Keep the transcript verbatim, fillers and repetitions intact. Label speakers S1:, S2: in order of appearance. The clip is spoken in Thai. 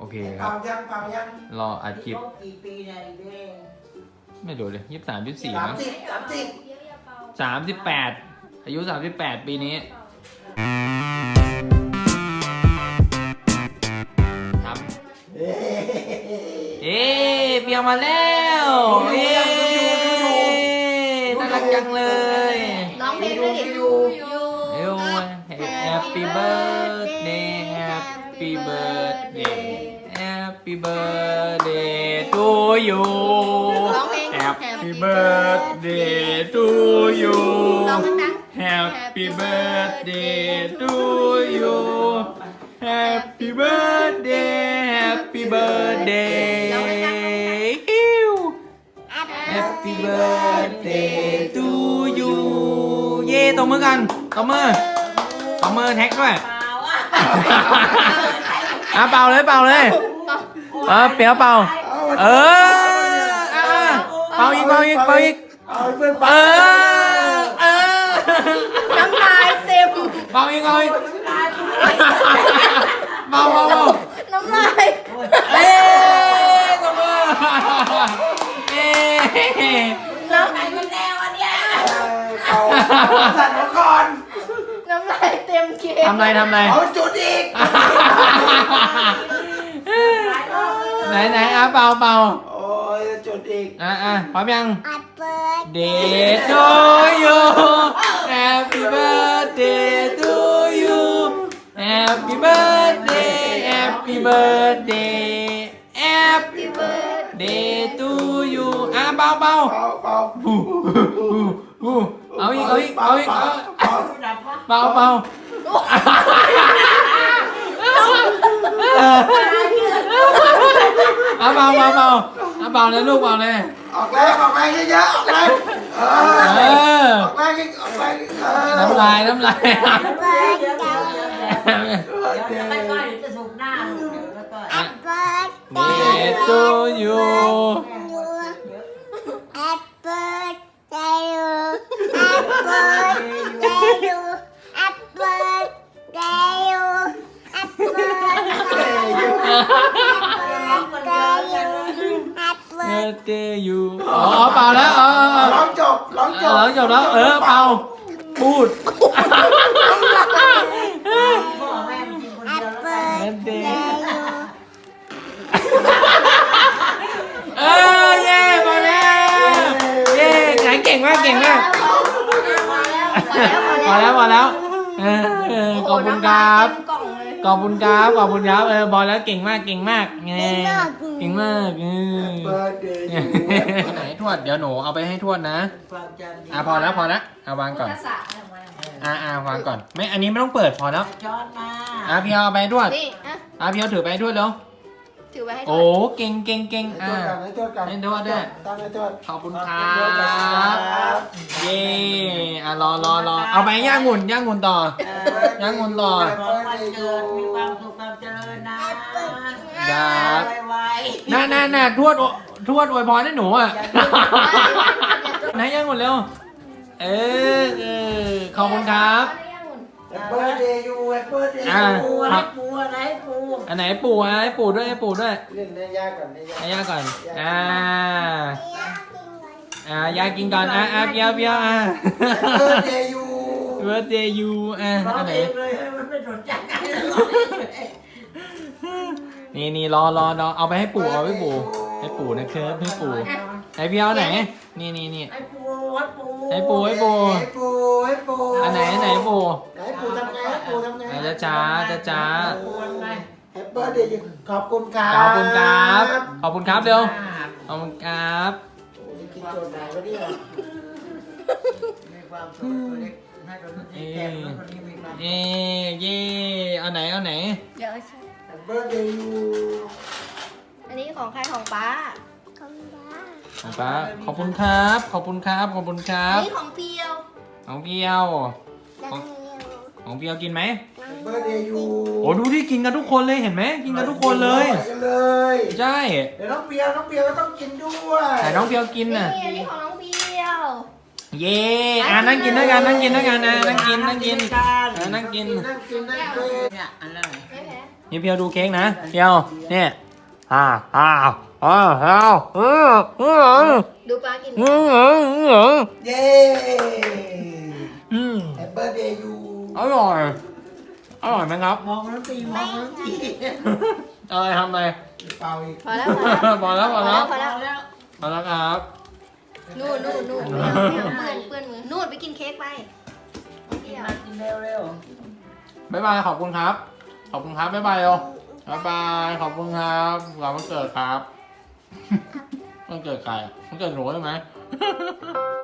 S1: โอเคครับ
S2: เป่ายังเป่ายัง
S1: รออัดคลิป
S3: กี่ปีเนี่ยอีเด้
S1: ไม่รู้เลยยี่สิบสามยี่สิบสี่
S2: สาม
S1: มั้ง
S2: สิบสามสิบ
S1: สามสิบแปดอายุสามสิบแปดปีนี้ครับ
S2: เอ๊ะ
S1: เอ๊ะเปียมาแล้วเอ๊ะน่ารักจังเลย
S4: ร้องเพลงด้วยดิยูยู
S1: เอ้ย Happy birthday Happy birthday Happy birthday to you
S4: ร้องเพลง
S1: Happy birthday to you
S4: ร้องดัง
S1: Happy birthday to you Happy birthday Happy birthday Happy birthday to you เย่ตบมือกันตบมือตบมือแท็กด้วย
S3: เปล่าอ่ะ
S1: อ่ะเป่าเลยเป่าเลยเออเปียวเป่าเอออ่ะเป่าอีกเป่าอีกเป่าอีก
S2: เอาให้เพื่อน
S1: เอ
S2: เป่า
S1: อเออ
S4: น้ำลายเต็ม
S1: เป่าอีกเป่าอีกเป่าเป่าเป่า
S4: น้ำลาย
S1: เอ้ยตบมือเอ้ย
S3: น้ำไหนมันแนวอันเนี้ย
S2: เป่าสั่นหัวก่อน
S4: น้ำลายเต็มเค้ก
S1: ทำไรทำไร
S2: เอาจุดอีก
S1: ไหนไหนอ่ะเป่าเป่า
S2: โอ้ยจุดอีก
S1: อ่ะอ่ะพร้อมยัง
S4: อัดเปิด
S1: Day to you Happy birthday to you Happy birthday Happy birthday Happy birthday to you อ่ะเป่าเป่า
S2: เป่าเป่า
S1: ฮู้ฮู้ฮู้เอาอีกเอาอีกเอาอีกเอา
S2: เป่า
S3: ดับวะ
S1: เป่าเป่าเอาเป่าเป่าเป่าเอาเป่าเลยลูกเป่าเลย
S2: ออกแรงออกแรงเยอะๆออกแรงเอ
S1: เอ
S2: อ
S1: อ
S2: ออกแรงอีกออกแรงอีกเออ
S1: น้ำลายน้ำลาย
S3: เดี๋ยวเดี๋ยวเดี๋ยวเดี๋ยวเดี๋ยวเดี๋ยวไปก่อนจะสูบหน้าลูกเดี๋ยวแล้วก็
S4: อัดเปิด
S1: Day to you
S4: อัดเปิดใจยูอัดเปิดใจยูอัดเปิดใจยูอัดเปิดใจยูอัดเปิดใจยูอัดเปิด
S1: Birthday you อ๋อเป่าแล้วเออเออเออ
S2: ร้องจบร้องจ
S1: เอบ อจบแล้วเออเป่าพูด
S3: พ่อแม่มันกินคน
S4: อั
S3: เดี
S4: ด
S3: ยวแล้ว
S4: เปิ
S3: กัน
S4: ดใจยู
S1: เออเย่มาแล้วเย่ไหนเก่งมากเก่งมากพอแล้วพอแล้วเออเออขอบคุณครับ
S4: กล่องเลย
S1: ขอบคุณครับขอบคุณครับเออพอแล้วเก่งมากเก่งมากไงเก่งมากเออ
S2: เบิร์ดเดย์ยู
S1: ไหนทวดเดี๋ยวหนูเอาไปให้ทวดนะ
S3: ความจำดี
S1: อ่ะพอแล้วพอแล้วเอาวางก่อนอ่ะอ่ะวางก่อนไม่อันนี้ไม่ต้องเปิดพอแล้ว
S3: ช้อนมา
S1: อ่ะพี่เอาไปให้ทวด
S4: นี่อ่ะ
S1: อ่ะพี่เอาถือไปให้ทวดแล้ว
S4: ถือไว้ให้
S1: โอ้เก่งเก่งเก่ง
S2: ให้
S1: อ่ะ
S2: โทษกันให้โทษกัน
S1: ให้โทษด้วย
S2: ตั้งให้โทษ
S1: ขอบคุณครับเย่อ่ะรอรอรอเอาไปย่างงุ่นย่างงุ่นต่อ ย่างงุ่นต่อ
S3: ขอวันเกิดมีความสุขความเจริญนะ
S1: ครับ
S3: ไว
S1: น่าน่าน่าทวดอทวดอวยพรให้หนูอ่ะไหนย่างงุ่นเร็วเออเออขอบคุณครับ
S2: แฮปเปิร์ดเดย์ยูแฮปเปิร์ดเดย์
S1: อ่ะ
S2: ยู
S3: ปูอะไรปูอะไรปู
S1: อันไหนปู่อ่ะให้ปู่ด้วยให้ปู่ด้วย
S2: เล่นได้ยากก่อนได้ยาก
S1: ให้ย่าก่อนอ่าอ่ายากินก่อนอ่ะอ่ะเปียวเปียวอ่ะ
S2: แฮปเปิร์ดเดย์ยู
S1: birthday you อ่ะ
S3: ร้อง
S1: อันไหน
S3: เองเลยให้มันไม่สนใจกันเลยร้องเองเลย
S1: นี่นี่รอรอรอเอาไปให้ปู่เอาไปให้ปู่ให้ปู่นะครับให้ปู่ไอพี่เอาไหนนี่นี่นี่
S3: ไอ้ปูไอ้ปู
S1: ให้ปู่ให้ปู่
S2: ให้ปูให้ปู
S1: อันไหนอันไหนปู่
S2: ไหนปูทำไงให้ปูทำไง
S1: อ่ะจะจ้าจะจ้า
S3: ปูไง
S2: แฮปเปิร์ดเดย์ยูขอบคุณครับ
S1: ขอบคุณครับขอบคุณครับเร็วขอบคุณครับ
S2: โอ้ยกินโจทย์ไหนวะเนี่ย
S3: มีความสุขตัวเล็กให้คนนี้แก่คนนี้มีความสุข
S1: เย่เย่เอาไหนเอาไหน
S4: เดี๋ยวใช่
S2: แฮปเปิร์ดเดย์ยู
S4: อันนี้ของใครของป้า
S1: ของป้าขอบคุณครับขอบคุณครับขอบคุณครั
S4: อัน
S1: บ
S4: นี้ของเปียว
S1: ของเพียวของของเพียวกินไหม
S2: แฮปเปิร์ดเดย์ยู
S1: โอ้ดูที่กินกันทุกคนเลยเห็นไหมกินกันทุกคนเลย
S2: กันเลย
S1: ใช่
S2: เดี๋ยวน้องเปียวน้องเปียวก็ต้องกินด้วย
S1: แต่น้องเพียวกิน
S4: นี่
S1: น่ะ
S4: อันนี้ของน้องเปียว
S1: เย่อ่ะนั่งกินด้วยกันนั่งกินด้วยกันนะนั่งกินนั่งกินอ่ะนั่งกิน
S2: นั่งกินนั่งกิน
S3: เนี่ยอันนั้น
S4: ไม่แพ้
S1: นี่เพียวดูเค้กนะเพียวเนี่ยอ่าอ้าวอ้าวอ้าวอืออือ
S4: ดูปลากิน
S1: อืออือ
S2: เย้
S1: อืม
S2: แฮปปี้เดย์ยู
S1: อร่อยอร่อยไหมครับ
S3: มองน้ำตีมองน้ำตี
S1: อะไรทำอะไร
S2: เปล่าอีก
S4: พอแล้ว
S1: พอแล้วพอแล้ว
S4: พอแล้ว
S3: แล้ว
S1: พอแล้วครับ
S4: นู่นนู่นนู่นไม่เอาไม่เอาเปื้อนเปื้อนมือนู่นไปกินเค้กไปเดี๋ยว
S3: กินเร็วเร็ว
S1: บ๊ายบายขอบคุณครับ ขอบคุณครับบ๊ายบายเร็วบ๊ายบายขอบคุณครับหลังวันเกิดครับวันเกิดใครอ่ะวันเกิดหนูใช่ไหม